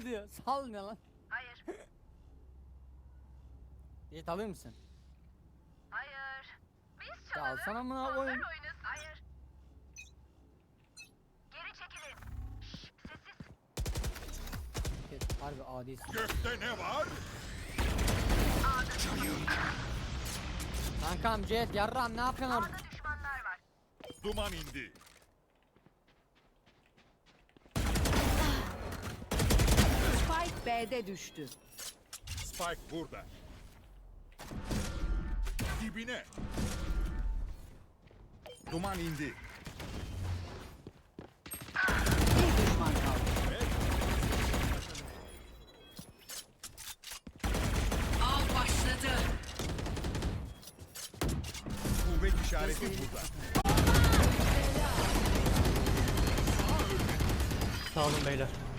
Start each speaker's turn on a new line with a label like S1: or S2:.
S1: diyor. Sal ne lan?
S2: Hayır.
S1: Jet alır mısın?
S2: Hayır. Biz
S1: Ya
S2: çalalım.
S1: alsana mı
S2: onlar
S1: oyun?
S2: oynasın. Hayır. Geri çekilin. Şşş, sessiz.
S1: Jet harbi adisin.
S3: Gökte ne var?
S1: Kankam Jet yarram ne yapıyorsun orada?
S2: A'da düşmanlar var.
S3: Duman indi.
S4: Spike B'de düştü.
S3: Spike burada. Dibine. Duman indi.
S4: Bir düşman kaldı. Av başladı.
S3: Kuvvet işareti burada.
S5: Sağ olun beyler.